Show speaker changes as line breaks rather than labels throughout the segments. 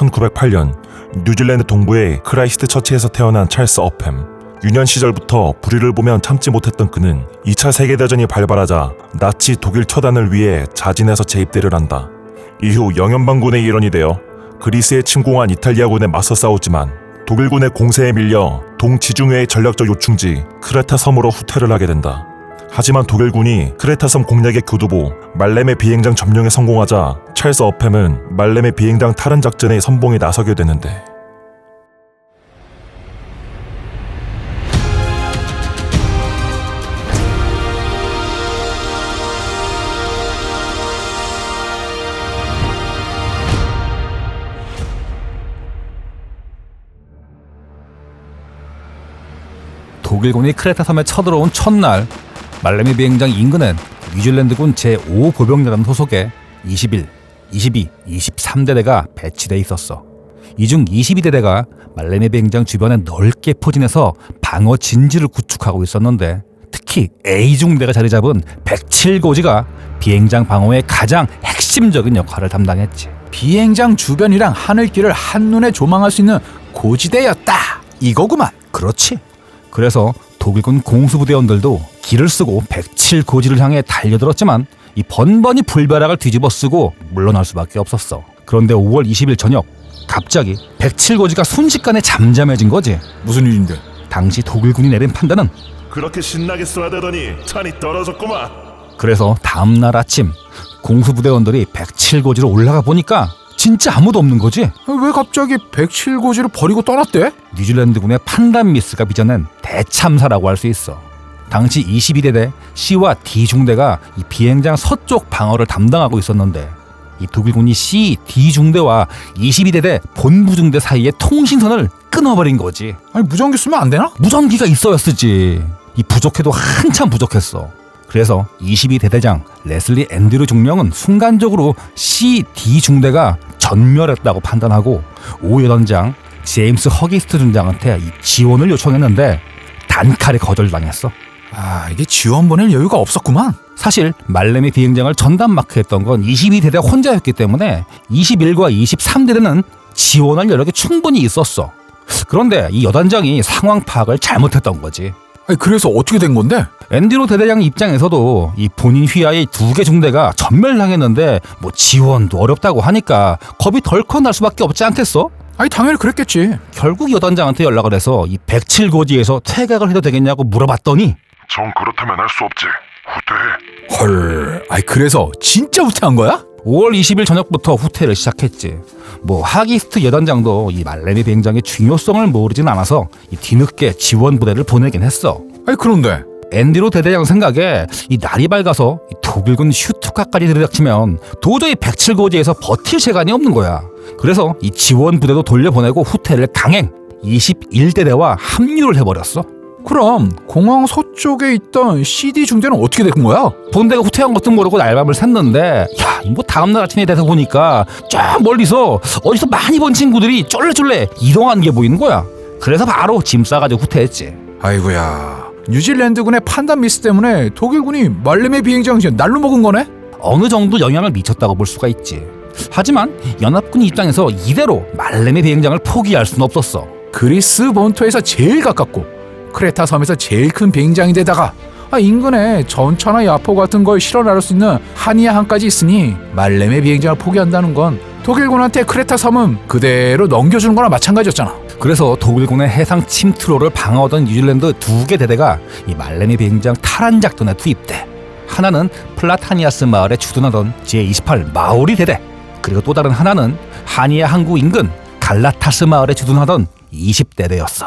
1908년 뉴질랜드 동부의 크라이스트 처치에서 태어난 찰스 어팸. 유년 시절부터 불의를 보면 참지 못했던 그는 2차 세계대전이 발발하자 나치 독일 처단을 위해 자진해서 재입대를 한다. 이후 영연방군의 일원이 되어 그리스에 침공한 이탈리아군에 맞서 싸웠지만 독일군의 공세에 밀려 동지중해의 전략적 요충지 크레타 섬으로 후퇴를 하게 된다. 하지만 독일군이 크레타 섬 공략의 교두보 말렘의 비행장 점령에 성공하자 찰스 어팸은 말렘의 비행장 탈환 작전에 선봉에 나서게 되는데,
독일군이 크레타 섬에 쳐들어온 첫날, 말레미 비행장 인근엔 뉴질랜드군 제5보병여단 소속의 21, 22, 23대대가 배치돼 있었어. 이 중 22대대가 말레미 비행장 주변에 넓게 포진해서 방어 진지를 구축하고 있었는데, 특히 A중대가 자리 잡은 107고지가 비행장 방어의 가장 핵심적인 역할을 담당했지.
비행장 주변이랑 하늘길을 한눈에 조망할 수 있는 고지대였다, 이거구만.
그렇지. 그래서 독일군 공수부대원들도 길을 쓰고 107고지를 향해 달려들었지만 이 번번이 불벼락을 뒤집어 쓰고 물러날 수밖에 없었어. 그런데 5월 20일 저녁, 갑자기 107고지가 순식간에 잠잠해진 거지.
무슨 일인데?
당시 독일군이 내린 판단은
그렇게 신나게 쏘아대더니 찬이 떨어졌구만.
그래서 다음날 아침 공수부대원들이 107고지로 올라가 보니까 진짜 아무도 없는 거지.
왜 갑자기 107고지를 버리고 떠났대?
뉴질랜드군의 판단 미스가 빚어낸 대참사라고 할 수 있어. 당시 22대대 C와 D중대가 이 비행장 서쪽 방어를 담당하고 있었는데, 이 독일군이 C, D중대와 22대대 본부중대 사이의 통신선을 끊어버린 거지.
아니, 무전기 쓰면 안 되나?
무전기가 있어야 쓰지. 이 부족해도 한참 부족했어. 그래서 22대대장 레슬리 앤드류 중령은 순간적으로 C, D중대가 전멸했다고 판단하고 5여단장 제임스 허기스트 중장한테 이 지원을 요청했는데 단칼에 거절당했어.
이게 지원 보낼 여유가 없었구만.
사실 말레미 비행장을 전담 마크했던 건 22대대 혼자였기 때문에 21과 23대대는 지원할 여력이 충분히 있었어. 그런데 이 여단장이 상황 파악을 잘못했던 거지.
그래서 어떻게 된 건데?
앤드류 대대장 입장에서도 이 본인 휘하의 2개 중대가 전멸당했는데 뭐 지원도 어렵다고 하니까 겁이 덜컥 날 수밖에 없지 않겠어?
당연히 그랬겠지.
결국 여단장한테 연락을 해서 이 107고지에서 퇴각을 해도 되겠냐고 물어봤더니
정 그렇다면 할 수 없지. 후퇴해.
헐, 그래서 진짜 후퇴한 거야?
5월 20일 저녁부터 후퇴를 시작했지. 뭐 하기스트 여단장도 이 말레미 비행장의 중요성을 모르진 않아서 이 뒤늦게 지원 부대를 보내긴 했어.
그런데
앤드류 대대장 생각에 이 날이 밝아서 이 독일군 슈투카까지 들이닥치면 도저히 107고지에서 버틸 시간이 없는 거야. 그래서 이 지원 부대도 돌려보내고 후퇴를 강행 21대대와 합류를 해버렸어.
그럼 공항 서쪽에 있던 CD 중대는 어떻게 된 거야?
본대가 후퇴한 것도 모르고 날밤을 샜는데, 뭐 다음날 아침에 돼서 보니까 쫙 멀리서 어디서 많이 본 친구들이 쫄래쫄래 이동하는 게 보이는 거야. 그래서 바로 짐 싸가지고 후퇴했지.
아이고야, 뉴질랜드군의 판단 미스 때문에 독일군이 말레미 비행장 날로 먹은 거네?
어느 정도 영향을 미쳤다고 볼 수가 있지. 하지만 연합군 입장에서 이대로 말레미 비행장을 포기할 수는 없었어.
그리스 본토에서 제일 가깝고 크레타 섬에서 제일 큰 비행장인데다가 인근에 전차나 야포 같은 걸 실어 나를 수 있는 한이아항까지 있으니 말레미 비행장을 포기한다는 건 독일군한테 크레타 섬은 그대로 넘겨주는 거나 마찬가지였잖아.
그래서 독일군의 해상 침투로를 방어하던 뉴질랜드 2개 대대가 이 말레미 비행장 탈환 작전에 투입돼. 하나는 플라타니아스 마을에 주둔하던 제28 마오리 대대, 그리고 또 다른 하나는 하니아 항구 인근 갈라타스 마을에 주둔하던 20대대였어.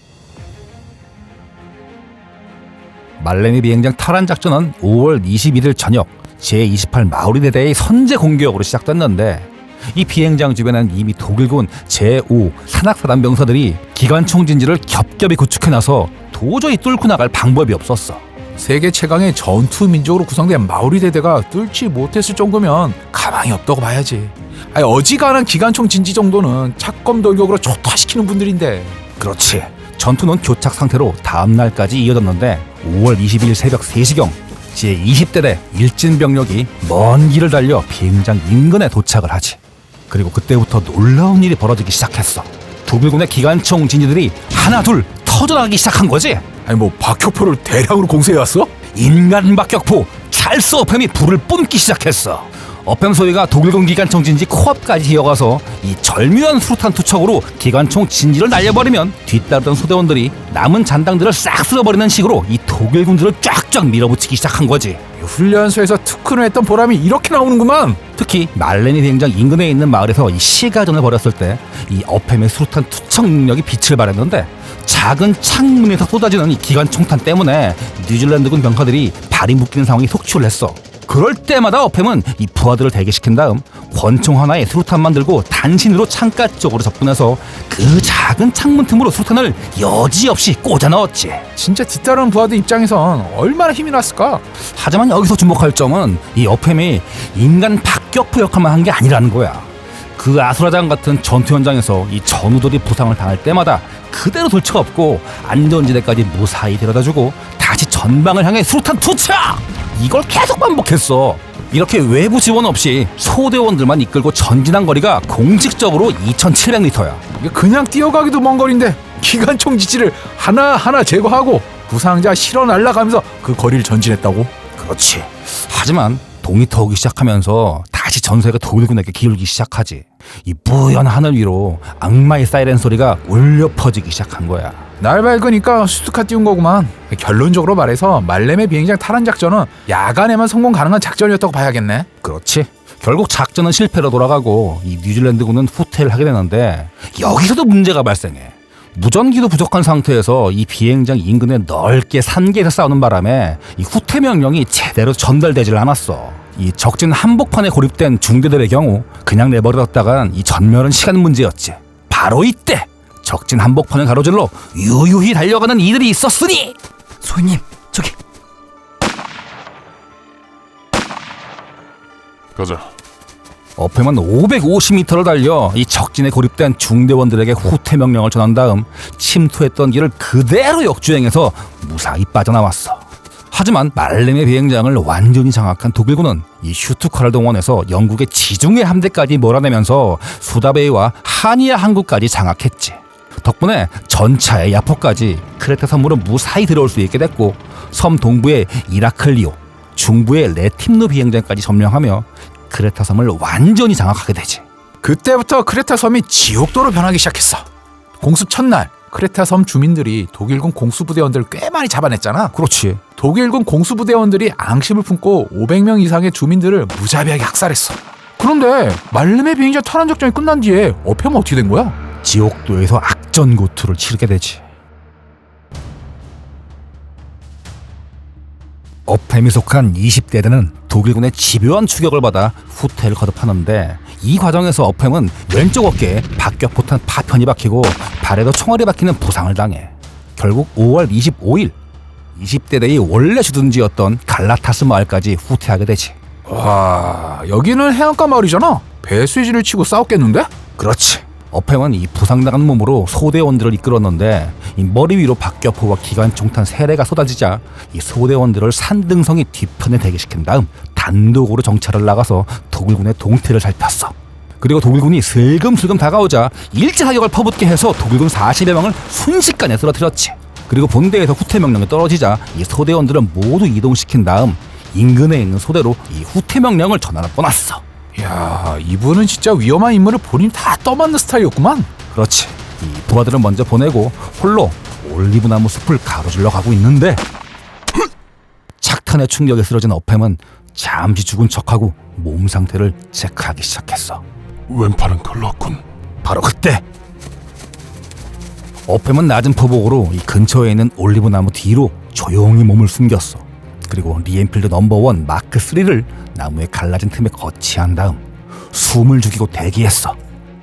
말레미 비행장 탈환 작전은 5월 21일 저녁 제28 마오리 대대의 선제 공격으로 시작됐는데, 이 비행장 주변엔 이미 독일군 제5 산악사단 병사들이 기관총 진지를 겹겹이 구축해놔서 도저히 뚫고 나갈 방법이 없었어.
세계 최강의 전투 민족으로 구성된 마오리 대대가 뚫지 못했을 정도면 가망이 없다고 봐야지. 어지간한 기관총 진지 정도는 착검 돌격으로 초토화시키는 분들인데.
그렇지. 전투는 교착 상태로 다음 날까지 이어졌는데 5월 22일 새벽 3시경 제20대대 일진 병력이 먼 길을 달려 비행장 인근에 도착을 하지. 그리고 그때부터 놀라운 일이 벌어지기 시작했어. 독일군의 기관총 진지들이 하나둘 터져나가기 시작한 거지.
아니 뭐 박격포를 대량으로 공세해왔어?
인간 박격포 찰스 어팸이 불을 뿜기 시작했어. 어팸 소위가 독일군 기관총 진지 코앞까지 이어가서 이 절묘한 수류탄 투척으로 기관총 진지를 날려버리면 뒤따르던 소대원들이 남은 잔당들을 싹 쓸어버리는 식으로 이 독일군들을 쫙쫙 밀어붙이기 시작한 거지.
훈련소에서 특훈을 했던 보람이 이렇게 나오는구만.
특히 말레니 비행장 인근에 있는 마을에서 이 시가전을 벌였을 때 이 어팸의 수류탄 투척 능력이 빛을 발했는데, 작은 창문에서 쏟아지는 이 기관총탄 때문에 뉴질랜드군 병사들이 발이 묶이는 상황이 속출을 했어. 그럴 때마다 어팸은 이 부하들을 대기시킨 다음 권총 하나에 수류탄만 들고 단신으로 창가 쪽으로 접근해서 그 작은 창문 틈으로 수류탄을 여지없이 꽂아 넣었지.
진짜 뒤따르는 부하들 입장에선 얼마나 힘이 났을까?
하지만 여기서 주목할 점은 이 어팸이 인간 박격포 역할만 한 게 아니라는 거야. 그 아수라장 같은 전투 현장에서 이 전우들이 부상을 당할 때마다 그대로 돌쳐업고 안전지대까지 무사히 데려다주고 다시 전방을 향해 수류탄 투척! 이걸 계속 반복했어. 이렇게 외부 지원 없이 소대원들만 이끌고 전진한 거리가 공식적으로 2,700m야.
이게 그냥 뛰어가기도 먼 거리인데 기관총 지지를 하나하나 제거하고 부상자 실어 날라가면서 그 거리를 전진했다고?
그렇지. 하지만 동이 터오기 시작하면서 다시 전세가 독일군에게 기울기 시작하지. 이 뿌연 하늘 위로 악마의 사이렌 소리가 울려 퍼지기 시작한 거야.
날 밝으니까 수두카 띄운 거구만. 결론적으로 말해서 말렘의 비행장 탈환 작전은 야간에만 성공 가능한 작전이었다고 봐야겠네.
그렇지. 결국 작전은 실패로 돌아가고 이 뉴질랜드군은 후퇴를 하게 되는데, 여기서도 문제가 발생해. 무전기도 부족한 상태에서 이 비행장 인근에 넓게 산계에서 싸우는 바람에 이 후퇴 명령이 제대로 전달되질 않았어. 이 적진 한복판에 고립된 중대들의 경우 그냥 내버려뒀다간 이 전멸은 시간 문제였지. 바로 이때 적진 한복판을 가로질러 유유히 달려가는 이들이 있었으니,
소위님, 저기
가자.
어팸은 550m를 달려 이 적진에 고립된 중대원들에게 후퇴 명령을 전한 다음 침투했던 길을 그대로 역주행해서 무사히 빠져나왔어. 하지만 말렘의 비행장을 완전히 장악한 독일군은 이 슈투카를 동원해서 영국의 지중해 함대까지 몰아내면서 수다베이와 하니아 항구까지 장악했지. 덕분에 전차의 야포까지 크레타 섬으로 무사히 들어올 수 있게 됐고, 섬 동부의 이라클리오, 중부의 레팀노 비행장까지 점령하며 크레타 섬을 완전히 장악하게 되지.
그때부터 크레타 섬이 지옥도로 변하기 시작했어. 공습 첫날 크레타 섬 주민들이 독일군 공수부대원들을 꽤 많이 잡아냈잖아.
그렇지.
독일군 공수부대원들이 앙심을 품고 500명 이상의 주민들을 무자비하게 학살했어. 그런데 말렘의 비행장 탈환 작전이 끝난 뒤에 어팸은 어떻게 된 거야?
지옥도에서 악전고투를 치르게 되지. 어팸이 속한 20대대는 독일군의 집요한 추격을 받아 후퇴를 거듭하는데, 이 과정에서 어팸은 왼쪽 어깨에 박격포탄 파편이 박히고 발에도 총알이 박히는 부상을 당해 결국 5월 25일 20대대의 원래 주둔지였던 갈라타스 마을까지 후퇴하게 되지.
와, 여기는 해안가 마을이잖아. 배수진을 치고 싸웠겠는데?
그렇지. 어팸은 이 부상당한 몸으로 소대원들을 이끌었는데, 이 머리 위로 박격포와 기관총탄 3대가 쏟아지자 이 소대원들을 산등성이 뒤편에 대기시킨 다음 단독으로 정찰을 나가서 독일군의 동태를 살폈어. 그리고 독일군이 슬금슬금 다가오자 일제사격을 퍼붓게 해서 독일군 40여 명을 순식간에 쓰러뜨렸지. 그리고 본대에서 후퇴 명령이 떨어지자 이 소대원들은 모두 이동시킨 다음 인근에 있는 소대로 이 후퇴 명령을 전하러 떠났어.
이야, 이분은 진짜 위험한 인물을 본인이 다 떠맡는 스타일이었구만.
그렇지. 이 부하들은 먼저 보내고 홀로 올리브나무 숲을 가로질러 가고 있는데, 착탄의 충격에 쓰러진 어팸은 잠시 죽은 척하고 몸 상태를 체크하기 시작했어.
왼팔은 걸렀군.
바로 그때 어팸은 낮은 포복으로 이 근처에 있는 올리브나무 뒤로 조용히 몸을 숨겼어. 그리고 리엔필드 넘버1 마크 3를 나무의 갈라진 틈에 거치한 다음 숨을 죽이고 대기했어.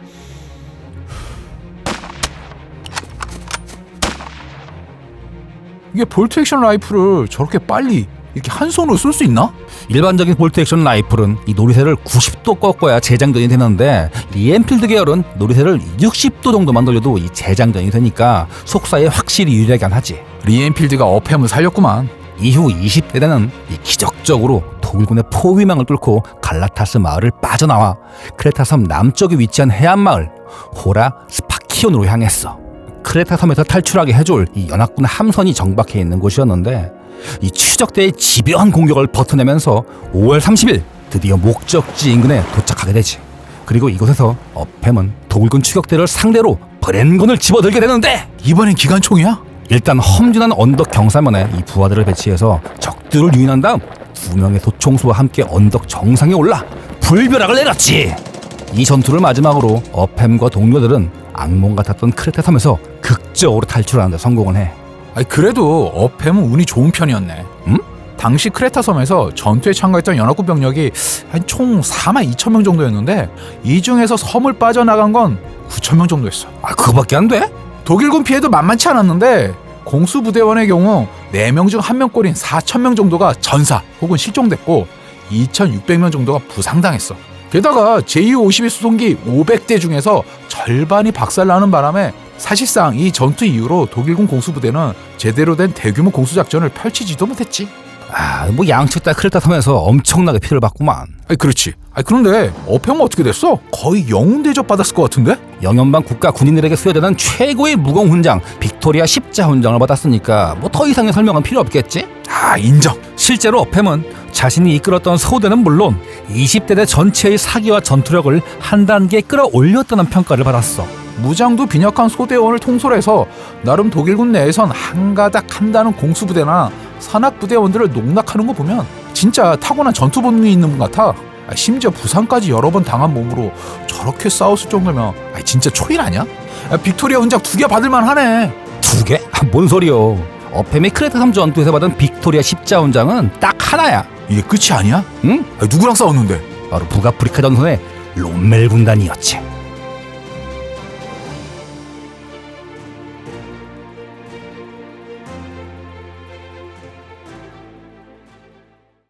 이게 볼트 액션 라이플을 저렇게 빨리 이렇게 한 손으로 쏠 수 있나?
일반적인 볼트 액션 라이플은 이 노리쇠를 90도 꺾어야 재장전이 되는데, 리엔필드 계열은 노리쇠를 60도 정도만 돌려도 이 재장전이 되니까 속사에 확실히 유리하긴 하지.
리엔필드가 어팸을 살렸구만.
이후 20대대는 기적적으로 독일군의 포위망을 뚫고 갈라타스 마을을 빠져나와 크레타 섬 남쪽에 위치한 해안마을 호라 스파키온으로 향했어. 크레타 섬에서 탈출하게 해줄 이 연합군 함선이 정박해 있는 곳이었는데 이 추적대의 집요한 공격을 버텨내면서 5월 30일 드디어 목적지 인근에 도착하게 되지. 그리고 이곳에서 어팸은 독일군 추격대를 상대로 브렌건을 집어들게 되는데
이번엔 기관총이야?
일단 험준한 언덕 경사면에 이 부하들을 배치해서 적들을 유인한 다음 2명의 소총수와 함께 언덕 정상에 올라 불벼락을 내렸지. 이 전투를 마지막으로 어팸과 동료들은 악몽 같았던 크레타 섬에서 극적으로 탈출하는 데 성공을 해.
아니, 그래도 어팸은 운이 좋은 편이었네.
응?
당시 크레타 섬에서 전투에 참가했던 연합군 병력이 한 총 42,000명 정도였는데 이 중에서 섬을 빠져나간 건 9,000명 정도였어.
그거밖에 안 돼?
독일군 피해도 만만치 않았는데 공수부대원의 경우 4명 중 1명꼴인 4,000명 정도가 전사 혹은 실종됐고 2,600명 정도가 부상당했어. 게다가 제252 수송기 500대 중에서 절반이 박살나는 바람에 사실상 이 전투 이후로 독일군 공수부대는 제대로 된 대규모 공수작전을 펼치지도 못했지.
뭐 양측 다 크레타 섬에서 엄청나게 피해를 봤구만.
아니, 그렇지. 아니, 그런데 어평은 어떻게 됐어? 거의 영웅 대접 받았을 것 같은데?
영연방 국가 군인들에게 수여되는 최고의 무공 훈장 빅토리아 십자 훈장을 받았으니까 뭐 더 이상의 설명은 필요 없겠지?
인정.
실제로 어팸은 자신이 이끌었던 소대는 물론 20대대 전체의 사기와 전투력을 한 단계 끌어올렸다는 평가를 받았어.
무장도 빈약한 소대원을 통솔해서 나름 독일군 내에선 한가닥 한다는 공수부대나 산악부대원들을 농락하는 거 보면 진짜 타고난 전투 본능이 있는 분 같아. 심지어 부상까지 여러 번 당한 몸으로 저렇게 싸웠을 정도면 진짜 초인 아니야? 빅토리아 훈장 2개 받을만 하네.
2개? 뭔 소리요. 어팸이 크레타 섬 전투에서 받은 빅토리아 십자 훈장은 딱 하나야.
이게 끝이 아니야?
응?
누구랑 싸웠는데?
바로 북아프리카 전선의 롬멜 군단이었지.